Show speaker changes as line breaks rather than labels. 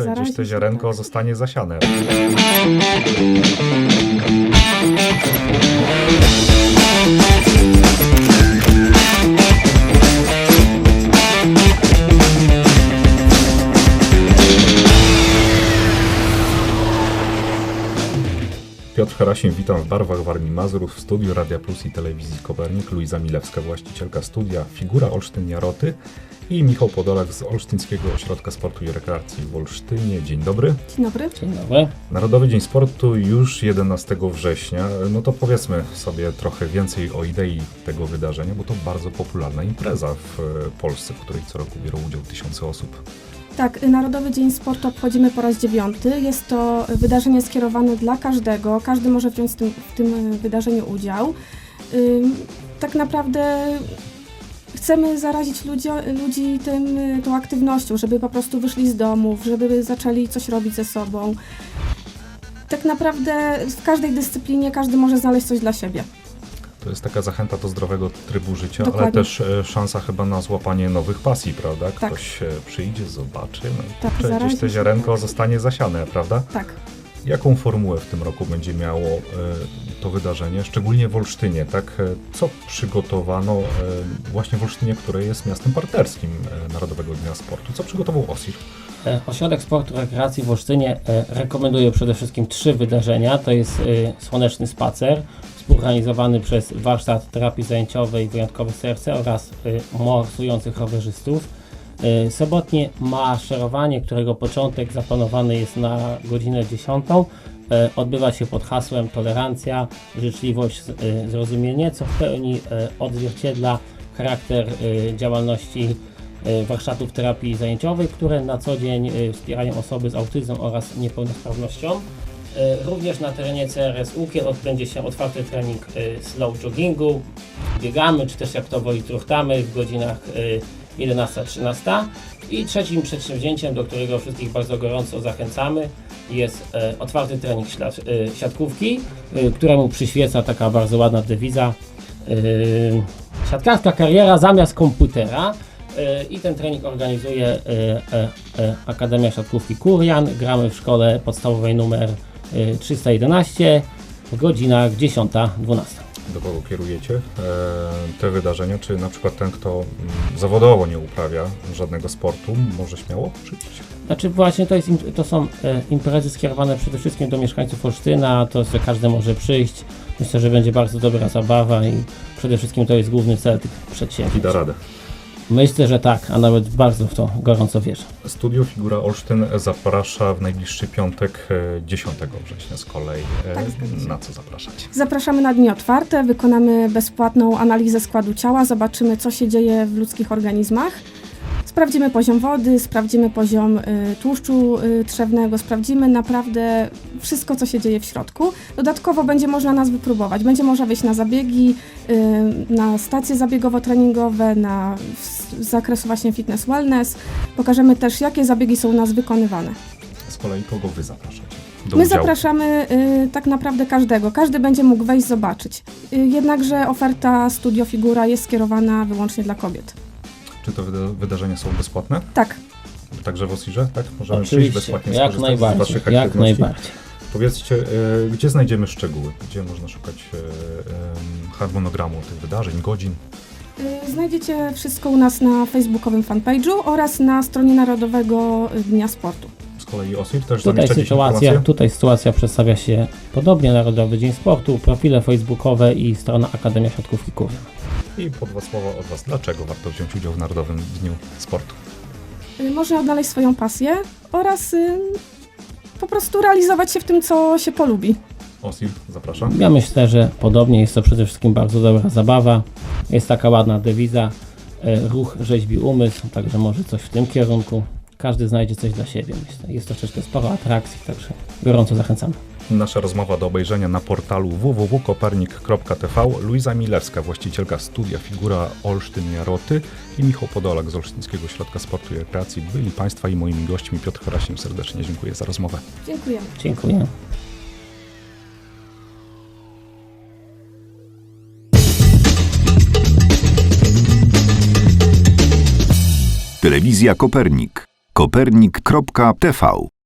gdzieś to ziarenko zostanie zasiane. Piotr Harasim, witam w barwach Warmii Mazurów, w studiu Radia Plus i Telewizji Kopernik, Luiza Milewska, właścicielka studia Figura Olsztyn Jaroty i Michał Podolak z Olsztyńskiego Ośrodka Sportu i Rekreacji w Olsztynie. Dzień dobry.
Dzień dobry.
Dzień dobry.
Narodowy Dzień Sportu już 11 września. No to powiedzmy sobie trochę więcej o idei tego wydarzenia, bo to bardzo popularna impreza w Polsce, w której co roku biorą udział tysiące osób.
Tak, Narodowy Dzień Sportu obchodzimy po raz 9. Jest to wydarzenie skierowane dla każdego. Każdy może wziąć w tym wydarzeniu udział. Tak naprawdę chcemy zarazić ludzi tą aktywnością, żeby po prostu wyszli z domów, żeby zaczęli coś robić ze sobą. Tak naprawdę w każdej dyscyplinie każdy może znaleźć coś dla siebie.
To jest taka zachęta do zdrowego trybu życia,
Dokładnie.
ale też szansa chyba na złapanie nowych pasji, prawda?
Tak.
Ktoś przyjdzie, zobaczy, no i
Tak,
kurczę, gdzieś to ziarenko zostanie zasiane, prawda?
Tak.
Jaką formułę w tym roku będzie miało to wydarzenie, szczególnie w Olsztynie, tak? Co przygotowano właśnie w Olsztynie, które jest miastem partnerskim Narodowego Dnia Sportu? Co przygotował OSIR?
Ośrodek Sportu i Rekreacji w Olsztynie rekomenduje przede wszystkim 3 wydarzenia. To jest Słoneczny Spacer, współorganizowany przez Warsztat Terapii Zajęciowej Wyjątkowe Serce oraz morsujących rowerzystów. Sobotnie maszerowanie, którego początek zaplanowany jest na godzinę 10. Odbywa się pod hasłem tolerancja, życzliwość, zrozumienie, co w pełni odzwierciedla charakter działalności warsztatów terapii zajęciowej, które na co dzień wspierają osoby z autyzmem oraz niepełnosprawnością. Również na terenie CRS Ukiel odbędzie się otwarty trening slow joggingu, biegamy, czy też jak to woli truchtamy w godzinach 11-13. I trzecim przedsięwzięciem, do którego wszystkich bardzo gorąco zachęcamy, jest otwarty trening siatkówki, któremu przyświeca taka bardzo ładna dewiza siatkarska kariera zamiast komputera. I ten trening organizuje Akademia Siatkówki Kurian. Gramy w szkole podstawowej numer 311 w godzinach 10-12.
Do kogo kierujecie te wydarzenia? Czy na przykład ten, kto zawodowo nie uprawia żadnego sportu, może śmiało przyjść?
Znaczy właśnie to są imprezy skierowane przede wszystkim do mieszkańców Olsztyna, to że każdy może przyjść. Myślę, że będzie bardzo dobra zabawa i przede wszystkim to jest główny cel tych przedsięwzięć.
I da radę.
Myślę, że tak, a nawet bardzo w to gorąco wierzę.
Studio Figura Olsztyn zaprasza w najbliższy piątek 10 września z kolei.
Tak,
na co zapraszacie?
Zapraszamy na dni otwarte, wykonamy bezpłatną analizę składu ciała, zobaczymy, co się dzieje w ludzkich organizmach. Sprawdzimy poziom wody, sprawdzimy poziom tłuszczu trzewnego, sprawdzimy naprawdę wszystko, co się dzieje w środku. Dodatkowo będzie można nas wypróbować, będzie można wyjść na zabiegi, na stacje zabiegowo-treningowe, z zakresu właśnie fitness wellness. Pokażemy też, jakie zabiegi są u nas wykonywane.
Z kolei kogo wy zapraszacie?
My zapraszamy tak naprawdę każdego. Każdy będzie mógł wejść, zobaczyć. Jednakże oferta Studio Figura jest skierowana wyłącznie dla kobiet.
Czy te wydarzenia są bezpłatne?
Tak.
Także w OSIR-ze, tak? Możemy
Oczywiście,
przyjść bezpłatnie,
jak
skorzystać z waszych
najbardziej, jak
aktywności.
najbardziej.
Powiedzcie, gdzie znajdziemy szczegóły? Gdzie można szukać harmonogramu tych wydarzeń, godzin?
Znajdziecie wszystko u nas na facebookowym fanpage'u oraz na stronie Narodowego Dnia Sportu.
Z kolei OSIR też zamieszcza gdzieś informacje?
Tutaj sytuacja przedstawia się podobnie. Narodowy Dzień Sportu, profile facebookowe i strona Akademia Siatkówki Kurian.
I po 2 słowa od was, dlaczego warto wziąć udział w Narodowym Dniu Sportu?
Można odnaleźć swoją pasję oraz po prostu realizować się w tym, co się polubi.
OSIR, zapraszam.
Ja myślę, że podobnie jest to przede wszystkim bardzo dobra zabawa. Jest taka ładna dewiza, ruch rzeźbi umysł, także może coś w tym kierunku. Każdy znajdzie coś dla siebie, myślę. Jest troszeczkę sporo atrakcji, także gorąco zachęcamy.
Nasza rozmowa do obejrzenia na portalu www.kopernik.tv. Luiza Milewska, właścicielka studia Figura Olsztyn Jaroty i Michał Podolak z Olsztyńskiego Ośrodka Sportu i Rekreacji byli Państwa i moimi gośćmi. Piotr Harasim, serdecznie dziękuję za rozmowę.
Dziękujemy.
Dziękuję.
Telewizja Kopernik. Kopernik.tv